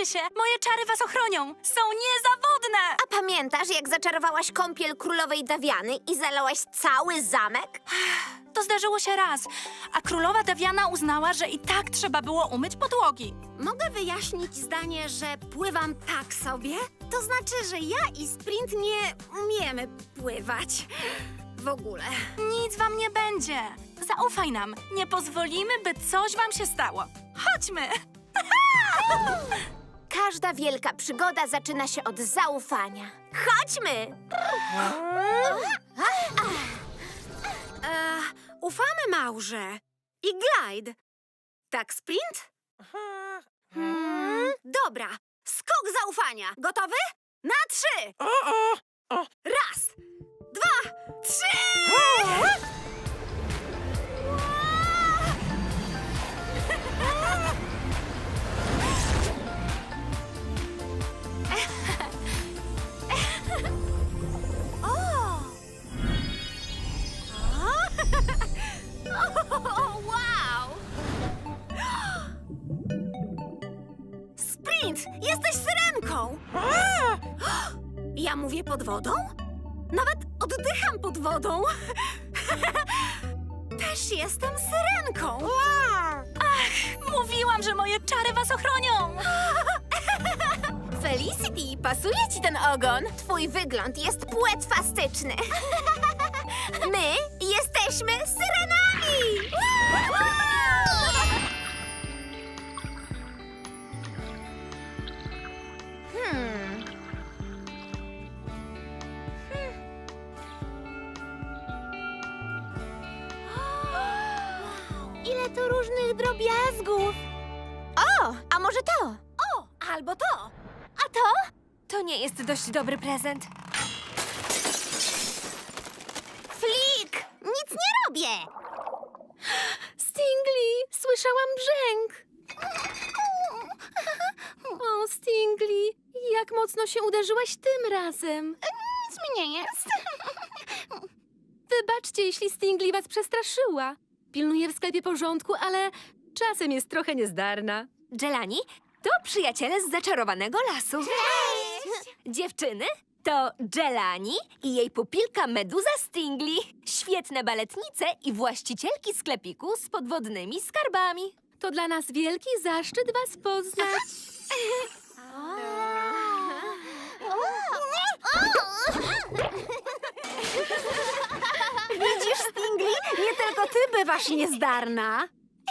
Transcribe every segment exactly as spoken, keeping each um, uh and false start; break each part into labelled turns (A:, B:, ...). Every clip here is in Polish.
A: się! Moje czary was ochronią! Są niezawodne!
B: A pamiętasz, jak zaczarowałaś kąpiel królowej Dawiany i zalałaś cały zamek?
A: To zdarzyło się raz, a królowa Dawiana uznała, że i tak trzeba było umyć podłogi.
C: Mogę wyjaśnić zdanie, że pływam tak sobie? To znaczy, że ja i Sprint nie umiemy pływać. W ogóle.
A: Nic wam nie będzie. Zaufaj nam. Nie pozwolimy, by coś wam się stało. Chodźmy!
B: Każda wielka przygoda zaczyna się od zaufania. Chodźmy!
C: E, ufamy Maurze. I Glide. Tak, Sprint? Hmm? Dobra. Skok zaufania. Gotowy? Na trzy! Raz, dwa, trzy! O, wow! Sprint, jesteś syrenką! Ja mówię pod wodą? Nawet oddycham pod wodą. Też jestem syrenką.
A: Mówiłam, że moje czary was ochronią!
B: Felicity, pasuje ci ten ogon? Twój wygląd jest płetwastyczny. My jesteśmy syrenami! Hmm.
C: Ile tu różnych drobiazgów.
B: O, a może to?
C: O, albo to.
B: A to?
D: To nie jest dość dobry prezent.
B: Flik! Nic nie robię!
D: Stingli, słyszałam brzęk. O, Stingli, jak mocno się uderzyłaś tym razem.
B: Nic mi nie jest.
D: Wybaczcie, jeśli Stingli was przestraszyła. Pilnuje w sklepie porządku, ale czasem jest trochę niezdarna. Jelani, to przyjaciele z zaczarowanego lasu.
B: Cześć!
D: Dziewczyny, to Jelani i jej pupilka Meduza Stingli. Świetne baletnice i właścicielki sklepiku z podwodnymi skarbami. To dla nas wielki zaszczyt was poznać.
C: Widzisz, Stingli? Nie tylko ty bywasz niezdarna.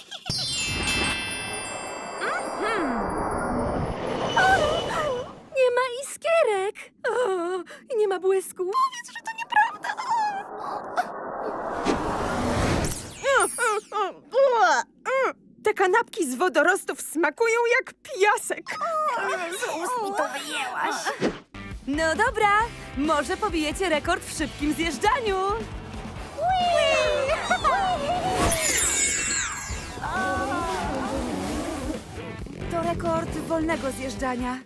D: Nie ma iskierek. O, i nie ma błysku. Powiedz, że to nieprawda.
E: Te kanapki z wodorostów smakują jak piasek.
C: Z ust mi to wyjęłaś.
D: No dobra, może pobijecie rekord w szybkim zjeżdżaniu. To rekord wolnego zjeżdżania.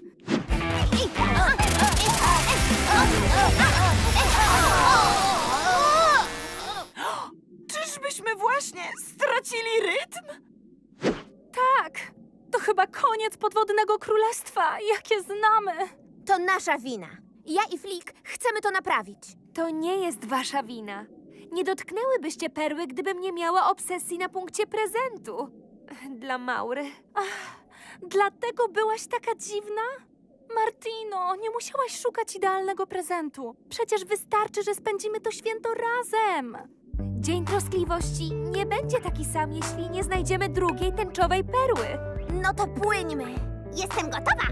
E: Czyżbyśmy właśnie stracili rytm?
A: Tak, to chyba koniec podwodnego królestwa, jakie znamy.
B: To nasza wina. Ja i Flik chcemy to naprawić.
D: To nie jest wasza wina. Nie dotknęłybyście perły, gdybym nie miała obsesji na punkcie prezentu. Dla Maury.
A: Dlatego byłaś taka dziwna? Martino, nie musiałaś szukać idealnego prezentu. Przecież wystarczy, że spędzimy to święto razem.
D: Dzień Troskliwości nie będzie taki sam, jeśli nie znajdziemy drugiej tęczowej perły.
B: No to płyńmy. Jestem gotowa.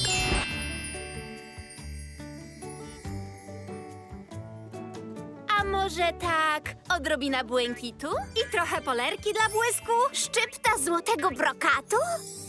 C: A może tak odrobina błękitu i trochę polerki dla błysku?
B: Szczypta złotego brokatu?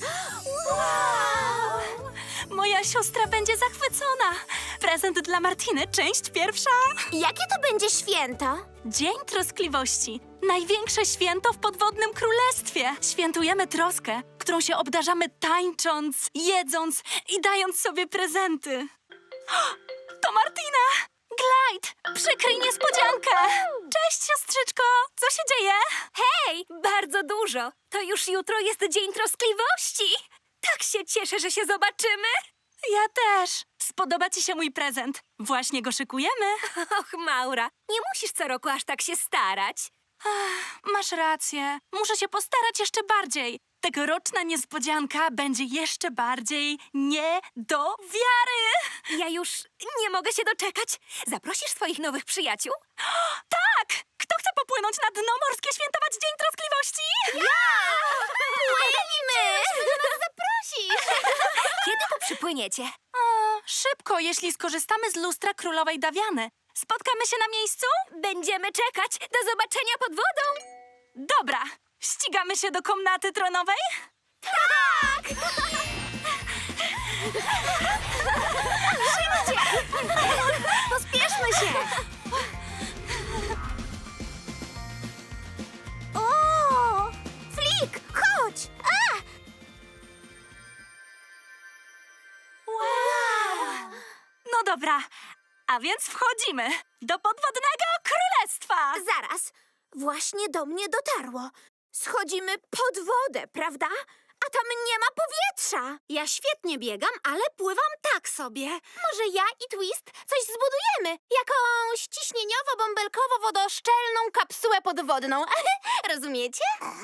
A: Wow! Moja siostra będzie zachwycona. Prezent dla Martiny, część pierwsza.
B: Jakie to będzie święto?
A: Dzień Troskliwości. Największe święto w podwodnym królestwie. Świętujemy troskę, którą się obdarzamy tańcząc, jedząc i dając sobie prezenty. O, to Martina! Glide! Przykryj niespodziankę! Cześć, siostrzyczko! Co się dzieje?
D: Hej, bardzo dużo. To już jutro jest Dzień Troskliwości. Tak się cieszę, że się zobaczymy.
A: Ja też. Spodoba ci się mój prezent. Właśnie go szykujemy.
D: Och, Maura, nie musisz co roku aż tak się starać.
A: Masz rację. Muszę się postarać jeszcze bardziej. Tegoroczna niespodzianka będzie jeszcze bardziej nie do wiary.
D: Ja już nie mogę się doczekać. Zaprosisz swoich nowych przyjaciół?
A: Tak! Kto chce popłynąć na dno morskie świętować Dzień Troskliwości?
B: Płyniemy!
D: Kiedy tu przypłyniecie?
A: O, szybko, jeśli skorzystamy z lustra królowej Dawiany. Spotkamy się na miejscu?
D: Będziemy czekać. Do zobaczenia pod wodą.
A: Dobra. Ścigamy się do komnaty tronowej?
B: Pospieszmy się! O! Flik, chodź! A!
A: Wow! No dobra, a więc wchodzimy do podwodnego królestwa!
B: Zaraz, właśnie do mnie dotarło. Schodzimy pod wodę, prawda? A tam nie ma powietrza.
C: Ja świetnie biegam, ale pływam tak sobie.
B: Może ja i Twist coś zbudujemy? Jakąś ciśnieniowo-bąbelkowo-wodoszczelną kapsułę podwodną. Rozumiecie?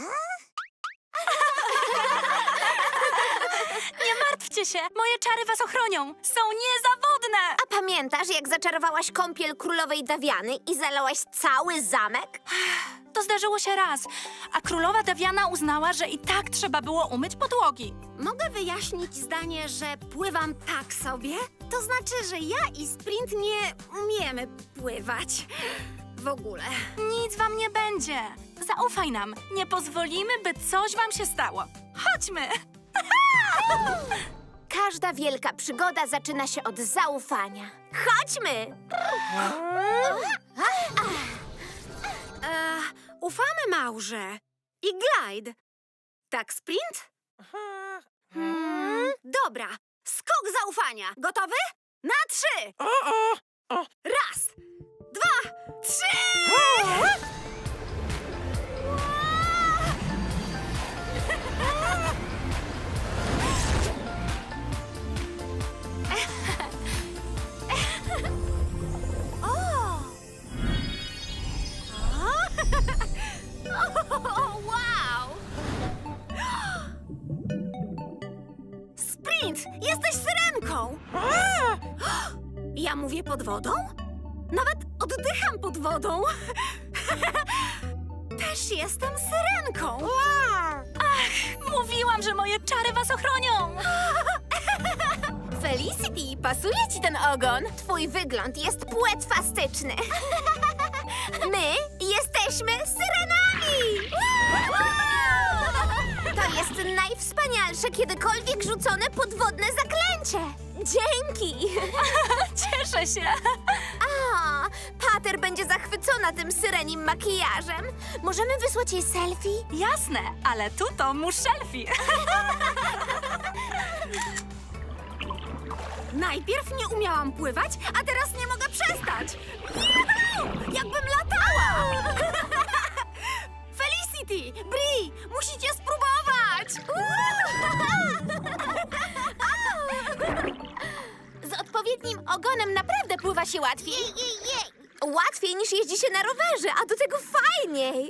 A: Nie martwcie się, moje czary was ochronią. Są niezawodne!
B: A pamiętasz, jak zaczarowałaś kąpiel królowej Dawiany i zalałaś cały zamek?
A: To zdarzyło się raz, a królowa Dawiana uznała, że i tak trzeba było umyć podłogi.
C: Mogę wyjaśnić zdanie, że pływam tak sobie? To znaczy, że ja i Sprint nie umiemy pływać. W ogóle.
A: Nic wam nie będzie. Zaufaj nam. Nie pozwolimy, by coś wam się stało. Chodźmy!
B: Każda wielka przygoda zaczyna się od zaufania. Chodźmy!
C: E, ufamy Maurze. I Glide. Tak, Sprint? Dobra. Skok zaufania. Gotowy? Na trzy! Raz, dwa, trzy! O, wow! Sprint! Jesteś syrenką! Ja mówię pod wodą? Nawet oddycham pod wodą. Też jestem syrenką.
A: Mówiłam, że moje czary was ochronią.
B: Felicity, pasuje ci ten ogon? Twój wygląd jest płetwastyczny. My jesteśmy syrenami! To jest najwspanialsze kiedykolwiek rzucone podwodne zaklęcie. Dzięki!
A: Cieszę się.
B: A, Pater będzie zachwycona tym syrenim makijażem. Możemy wysłać jej selfie?
A: Jasne, ale tu to muszelfi.
C: Najpierw nie umiałam pływać, a teraz nie mogę przestać. Juhu! Jakbym latała! Felicity, Bri, musicie spróbować!
B: Z odpowiednim ogonem naprawdę pływa się łatwiej. Łatwiej niż jeździ się na rowerze, a do tego fajniej.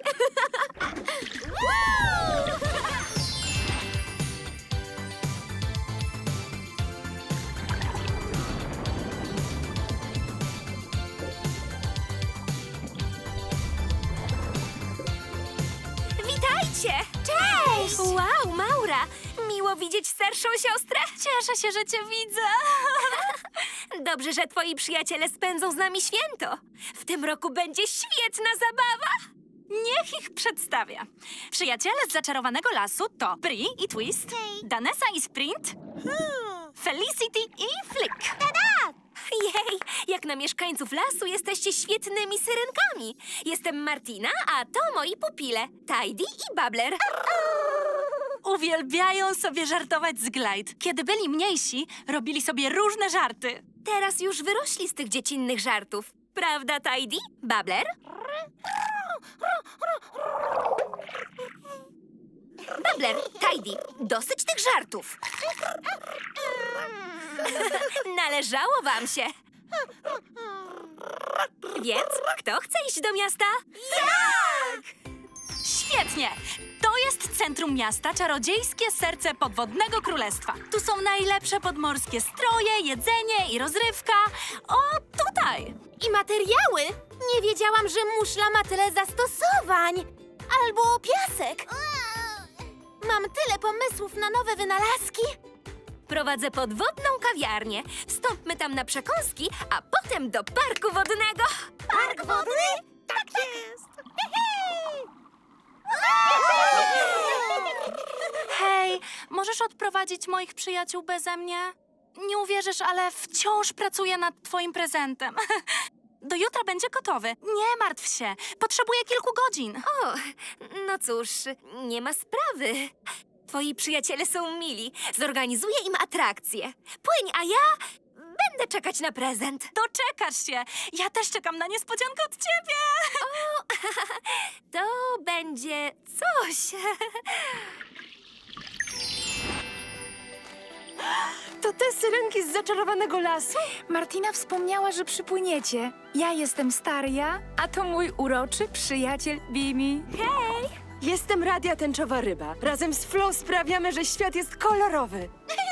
D: Witajcie!
B: Cześć!
D: Wow, Maura! Miło widzieć starszą siostrę.
A: Cieszę się, że cię widzę.
D: Dobrze, że twoi przyjaciele spędzą z nami święto. W tym roku będzie świetna zabawa.
A: Niech ich przedstawię. Przyjaciele z zaczarowanego lasu to Bri i Twist, Danessa i Sprint, Felicity i Flick.
D: Jej, jak na mieszkańców lasu jesteście świetnymi syrenkami. Jestem Martina, a to moi pupile, Tidy i Babbler.
A: Uwielbiają sobie żartować z Glide. Kiedy byli mniejsi, robili sobie różne żarty.
D: Teraz już wyrośli z tych dziecinnych żartów. Prawda, Tidy? Babbler? Babler, Tidy, dosyć tych żartów. Należało wam się. Więc kto chce iść do miasta?
A: Tak! Świetnie! To jest centrum miasta, czarodziejskie serce podwodnego królestwa. Tu są najlepsze podmorskie stroje, jedzenie i rozrywka. O, tutaj!
B: I materiały! Nie wiedziałam, że muszla ma tyle zastosowań. Albo piasek. Mam tyle pomysłów na nowe wynalazki.
D: Prowadzę podwodną kawiarnię. Wstąpmy tam na przekąski, a potem do parku wodnego.
B: Park wodny? Tak jest!
A: Hej, możesz odprowadzić moich przyjaciół beze mnie? Nie uwierzysz, ale wciąż pracuję nad twoim prezentem. Do jutra będzie gotowy. Nie martw się. Potrzebuję kilku godzin.
D: O, no cóż, nie ma sprawy. Twoi przyjaciele są mili. Zorganizuję im atrakcję. Płyń, a ja będę czekać na prezent.
A: Doczekasz się. Ja też czekam na niespodziankę od ciebie.
D: To będzie coś.
E: To te syrenki z zaczarowanego lasu?
F: Martina wspomniała, że przypłyniecie. Ja jestem Staria, a to mój uroczy przyjaciel Bimi.
E: Jestem Radia Tęczowa Ryba. Razem z Flo sprawiamy, że świat jest kolorowy.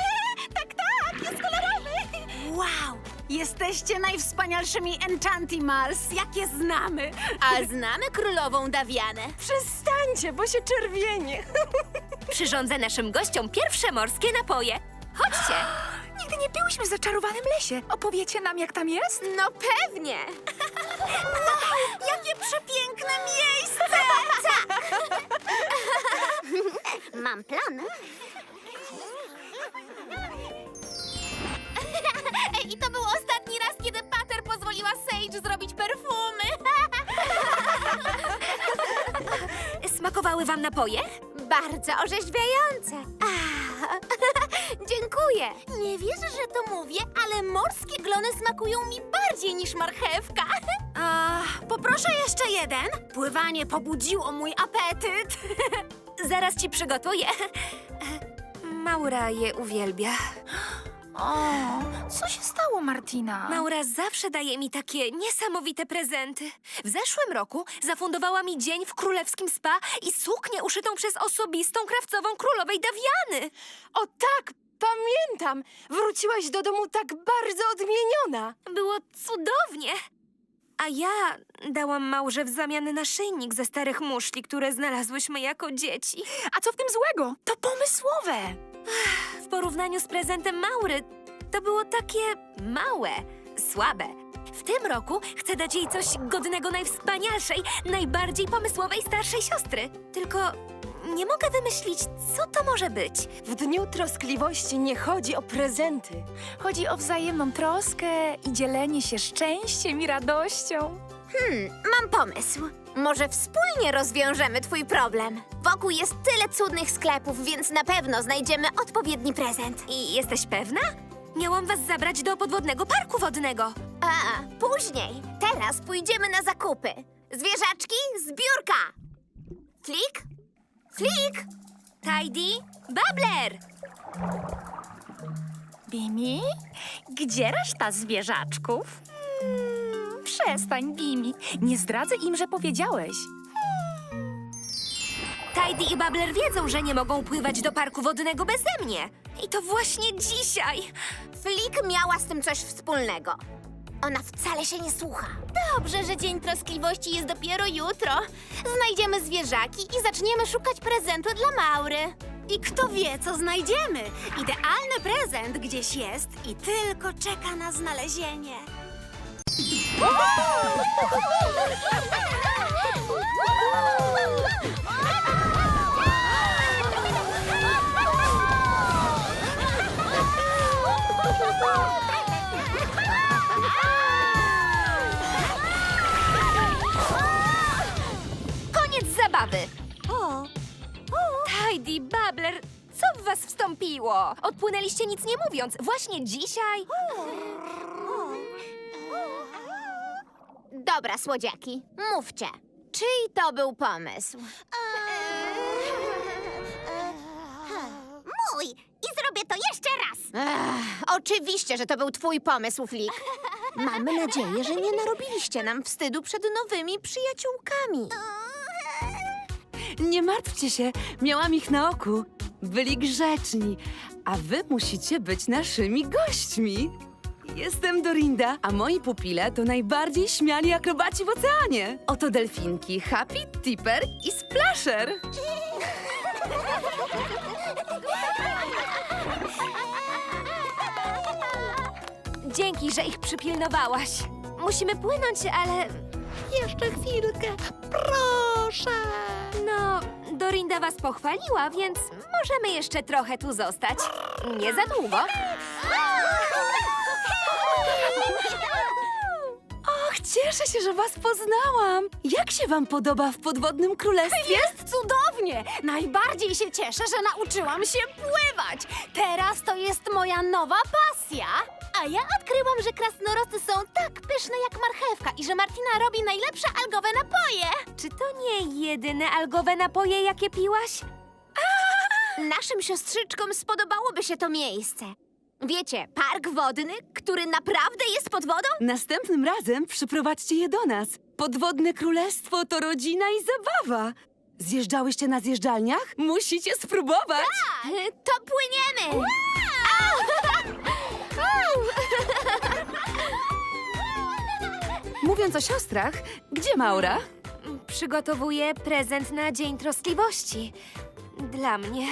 C: Wow! Jesteście najwspanialszymi Enchantimals, jakie znamy.
B: A znamy królową Dawianę.
E: Przestańcie, bo się czerwienie.
D: Przyrządzę naszym gościom pierwsze morskie napoje. Chodźcie.
F: Nigdy nie byłyśmy w zaczarowanym lesie. Opowiecie nam, jak tam jest?
B: No pewnie.
C: Jakie przepiękne miejsce!
B: Mam plan. I to był ostatni raz, kiedy Pater pozwoliła Sage zrobić perfumy.
D: Smakowały wam napoje?
B: Bardzo orzeźwiające. Ah, dziękuję. Nie wierzę, że to mówię, ale morskie glony smakują mi bardziej niż marchewka.
C: A, poproszę jeszcze jeden. Pływanie pobudziło mój apetyt.
D: Zaraz ci przygotuję. Maura je uwielbia.
F: O, co się stało, Martina?
D: Maura zawsze daje mi takie niesamowite prezenty. W zeszłym roku zafundowała mi dzień w królewskim spa i suknię uszytą przez osobistą krawcową królowej Dawiany.
E: O tak, pamiętam. Wróciłaś do domu tak bardzo odmieniona.
D: Było cudownie. A ja dałam Maurze w zamian naszyjnik ze starych muszli, które znalazłyśmy jako dzieci.
F: A co w tym złego? To pomysłowe.
D: W porównaniu z prezentem Maury to było takie małe, słabe. W tym roku chcę dać jej coś godnego najwspanialszej, najbardziej pomysłowej starszej siostry. Tylko nie mogę wymyślić, co to może być.
E: W dniu troskliwości nie chodzi o prezenty.
F: Chodzi o wzajemną troskę i dzielenie się szczęściem i radością.
B: Mam pomysł. Może wspólnie rozwiążemy twój problem. Wokół jest tyle cudnych sklepów, więc na pewno znajdziemy odpowiedni prezent.
D: I jesteś pewna? Miałam was zabrać do podwodnego parku wodnego.
B: A, później. Teraz pójdziemy na zakupy. Zwierzaczki, zbiórka. Flik? Flik?
D: Tidy, Babler!
F: Bimi? Gdzie reszta zwierzaczków? Hmm, przestań, Bimi. Nie zdradzę im, że powiedziałeś.
D: Tidy i Babler wiedzą, że nie mogą pływać do parku wodnego beze mnie. I to właśnie dzisiaj.
B: Flik miała z tym coś wspólnego. Ona wcale się nie słucha. Dobrze, że Dzień Troskliwości jest dopiero jutro. Znajdziemy zwierzaki i zaczniemy szukać prezentu dla Maury.
C: I kto wie, co znajdziemy. Idealny prezent gdzieś jest i tylko czeka na znalezienie.
D: Koniec zabawy. O, Tidy, Babler, co w was wstąpiło? Odpłynęliście nic nie mówiąc. Właśnie dzisiaj?
B: Dobra, słodziaki, mówcie. Czyj to był pomysł? Oczywiście, że to był twój pomysł, Flik. Mamy nadzieję, że nie narobiliście nam wstydu przed nowymi przyjaciółkami.
E: Nie martwcie się, miałam ich na oku. Byli grzeczni, a wy musicie być naszymi gośćmi. Jestem Dorinda, a moi pupile to najbardziej śmiali akrobaci w oceanie. Oto delfinki Happy, Tipper i Splasher.
D: Dzięki, że ich przypilnowałaś. Musimy płynąć, ale... Jeszcze chwilkę. Proszę. No, Dorinda was pochwaliła, więc możemy jeszcze trochę tu zostać. Nie za długo.
E: Och, cieszę się, że was poznałam. Jak się wam podoba w podwodnym królestwie?
C: Jest cudownie! Najbardziej się cieszę, że nauczyłam się pływać. Teraz to jest moja nowa pasja.
B: A ja odkryłam, że krasnoroty są tak pyszne jak marchewka i że Martina robi najlepsze algowe napoje.
D: Czy to nie jedyne algowe napoje, jakie piłaś?
B: Naszym siostrzyczkom spodobałoby się to miejsce. Wiecie, park wodny, który naprawdę jest pod wodą?
E: Następnym razem przyprowadźcie je do nas. Podwodne królestwo to rodzina i zabawa. Zjeżdżałyście na zjeżdżalniach? Musicie spróbować.
B: To płyniemy!
E: Mówiąc o siostrach, gdzie Maura?
D: Przygotowuję prezent na Dzień Troskliwości. Dla mnie.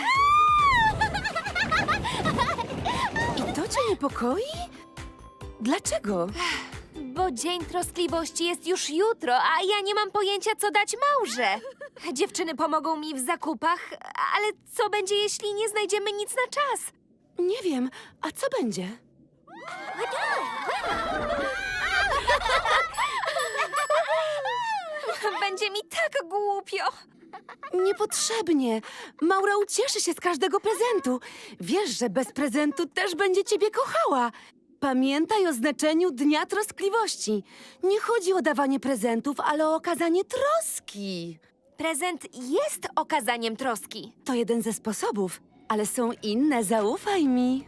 E: I to cię niepokoi? Dlaczego?
D: Bo Dzień Troskliwości jest już jutro, a ja nie mam pojęcia, co dać Maurze. Dziewczyny pomogą mi w zakupach, ale co będzie, jeśli nie znajdziemy nic na czas?
E: Nie wiem, a co będzie?
D: Będzie mi tak głupio.
E: Niepotrzebnie. Maura ucieszy się z każdego prezentu. Wiesz, że bez prezentu też będzie ciebie kochała. Pamiętaj o znaczeniu Dnia Troskliwości. Nie chodzi o dawanie prezentów, ale o okazanie troski.
D: Prezent jest okazaniem troski.
E: To jeden ze sposobów, ale są inne, zaufaj mi.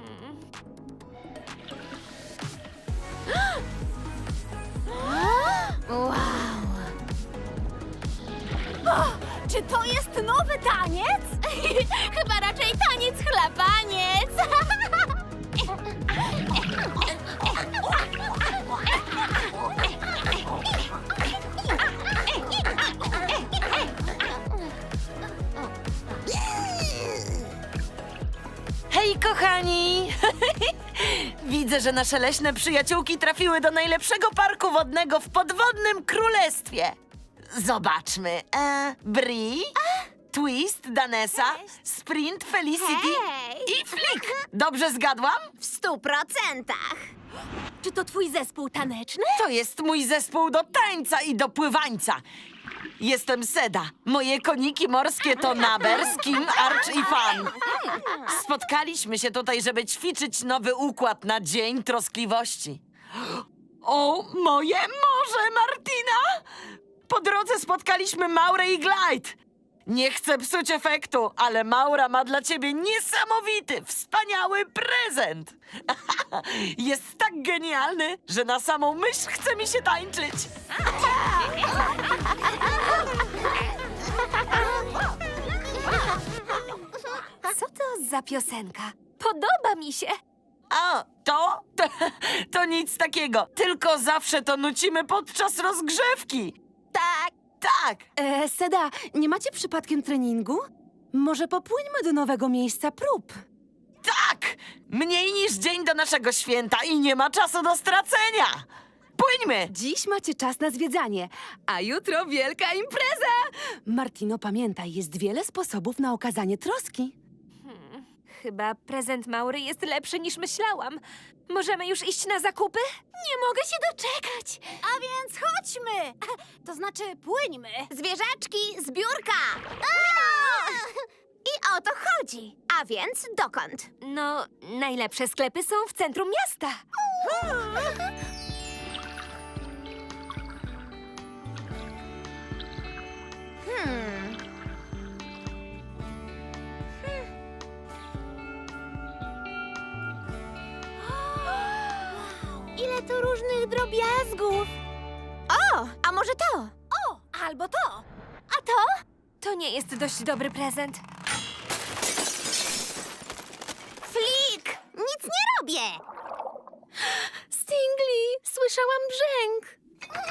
C: Czy to jest nowy taniec?
B: Chyba raczej taniec chlapaniec.
G: Hej, kochani! Widzę, że nasze leśne przyjaciółki trafiły do najlepszego parku wodnego w podwodnym królestwie. Zobaczmy. E, Bri, Twist, Danesa, Sprint, Felicity
B: Hej!
G: i Flik. Dobrze zgadłam?
B: W stu procentach.
C: Czy to twój zespół taneczny?
G: To jest mój zespół do tańca i do pływańca. Jestem Seda. Moje koniki morskie to Naber, Skim, Arch i Fan. Spotkaliśmy się tutaj, żeby ćwiczyć nowy układ na Dzień Troskliwości. O, moje morze, Martina! Po drodze spotkaliśmy Maurę i Glide. Nie chcę psuć efektu, ale Maura ma dla ciebie niesamowity, wspaniały prezent. Jest tak genialny, że na samą myśl chce mi się tańczyć.
D: Co to za piosenka? Podoba mi się.
G: A, to? to? To nic takiego, tylko zawsze to nucimy podczas rozgrzewki.
B: Tak.
G: Tak,
E: E, Seda, nie macie przypadkiem treningu? Może popłyńmy do nowego miejsca prób.
G: tak! Mniej niż dzień do naszego święta i nie ma czasu do stracenia. Płyńmy!
E: Dziś macie czas na zwiedzanie, a jutro wielka impreza! Martino, pamiętaj, jest wiele sposobów na okazanie troski.
D: Chyba prezent Maury jest lepszy niż myślałam. Możemy już iść na zakupy?
C: Nie mogę się doczekać. A więc chodźmy. To znaczy płyńmy.
B: Zwierzaczki, zbiórka! I o to chodzi. A więc dokąd?
D: No, najlepsze sklepy są w centrum miasta.
B: Hmm. Ile tu różnych drobiazgów. O, a może to?
C: O, albo to.
B: A to?
D: To nie jest dość dobry prezent.
B: Flik! Nic nie robię!
D: Stingli, słyszałam brzęk.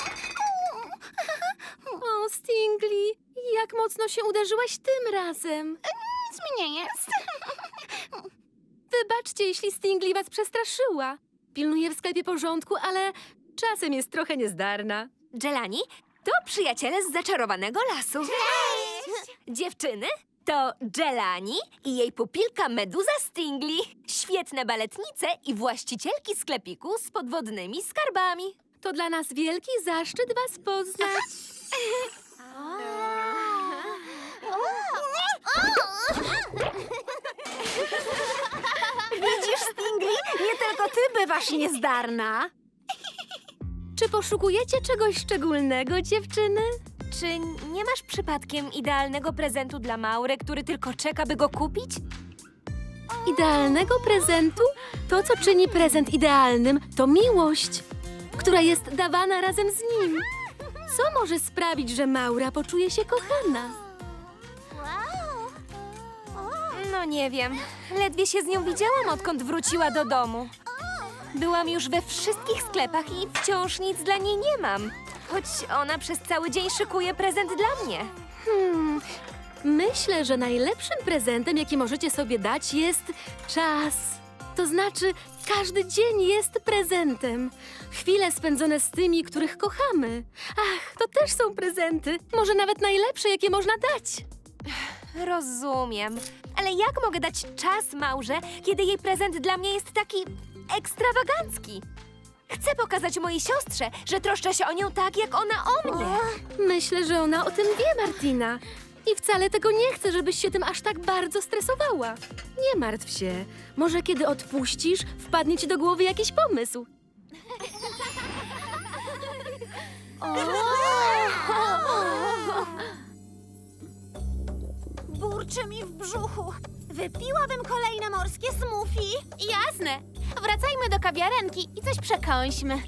D: O, Stingli, jak mocno się uderzyłaś tym razem.
B: Nic mi nie jest.
D: Wybaczcie, jeśli Stingli was przestraszyła. Pilnuję w sklepie porządku, ale czasem jest trochę niezdarna. Jelani, to przyjaciele z zaczarowanego lasu.
B: Cześć!
D: Dziewczyny, to Jelani i jej pupilka Meduza Stingli. Świetne baletnice i właścicielki sklepiku z podwodnymi skarbami. To dla nas wielki zaszczyt was poznać.
C: Widzisz, Stingli? Nie tylko ty bywasz niezdarna.
D: Czy poszukujecie czegoś szczególnego, dziewczyny? Czy nie masz przypadkiem idealnego prezentu dla Maury, który tylko czeka, by go kupić? Idealnego prezentu? To, co czyni prezent idealnym, to miłość, która jest dawana razem z nim. Co może sprawić, że Maura poczuje się kochana?
B: Wow!
D: No nie wiem. Ledwie się z nią widziałam, odkąd wróciła do domu. Byłam już we wszystkich sklepach i wciąż nic dla niej nie mam. Choć ona przez cały dzień szykuje prezent dla mnie. Hmm, myślę, że najlepszym prezentem, jaki możecie sobie dać, jest czas. To znaczy, każdy dzień jest prezentem. Chwile spędzone z tymi, których kochamy. Ach, to też są prezenty. Może nawet najlepsze, jakie można dać. Rozumiem. Ale jak mogę dać czas Maurze, kiedy jej prezent dla mnie jest taki ekstrawagancki? Chcę pokazać mojej siostrze, że troszczę się o nią tak, jak ona o mnie. Myślę, że ona o tym wie, Martina. I wcale tego nie chcę, żebyś się tym aż tak bardzo stresowała. Nie martw się. Może kiedy odpuścisz, wpadnie ci do głowy jakiś pomysł.
C: Burczy mi w brzuchu. Wypiłabym kolejne morskie smoothie.
B: Jasne. Wracajmy do kawiarenki i coś przekąśmy.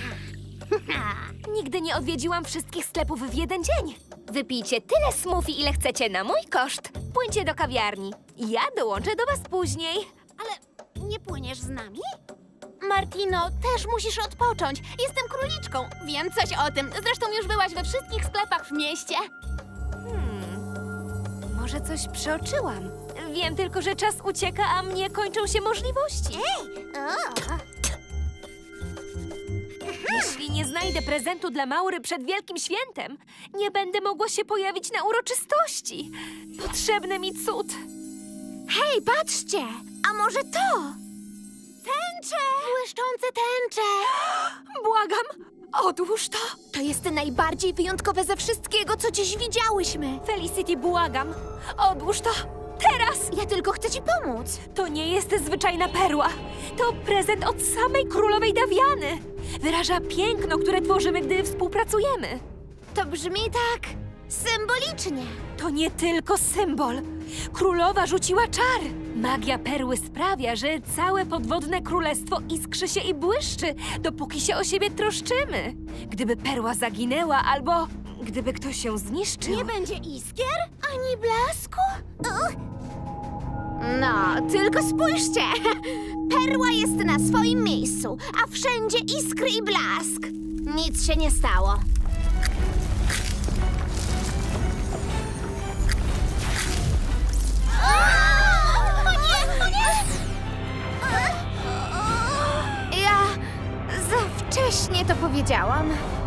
D: Nigdy nie odwiedziłam wszystkich sklepów w jeden dzień. Wypijcie tyle smoothie, ile chcecie na mój koszt. Płyńcie do kawiarni. Ja dołączę do was później.
C: Ale nie płyniesz z nami?
B: Martino, też musisz odpocząć. Jestem króliczką. Wiem coś o tym. Zresztą już byłaś we wszystkich sklepach w mieście.
D: Może coś przeoczyłam. Wiem tylko, że czas ucieka, a mnie kończą się możliwości. Jeśli nie znajdę prezentu dla Maury przed Wielkim Świętem, nie będę mogła się pojawić na uroczystości. Potrzebny mi cud.
B: Hej, patrzcie! A może to? Tęcze! Błyszczące tęcze!
D: Błagam, odłóż to.
B: To jest najbardziej wyjątkowe ze wszystkiego, co dziś widziałyśmy.
D: Felicity, błagam, odłóż to. Teraz!
B: Ja tylko chcę ci pomóc.
D: To nie jest zwyczajna perła. To prezent od samej królowej Dawiany. Wyraża piękno, które tworzymy, gdy współpracujemy.
B: To brzmi tak symbolicznie.
D: To nie tylko symbol. Królowa rzuciła czar. Magia perły sprawia, że całe podwodne królestwo iskrzy się i błyszczy, dopóki się o siebie troszczymy. Gdyby perła zaginęła albo gdyby ktoś się zniszczył...
C: Nie będzie iskier?
B: Ani blasku? Uch. No, tylko spójrzcie. Perła jest na swoim miejscu, a wszędzie iskry i blask. Nic się nie stało. O nie, o nie! Ja za wcześnie to powiedziałam.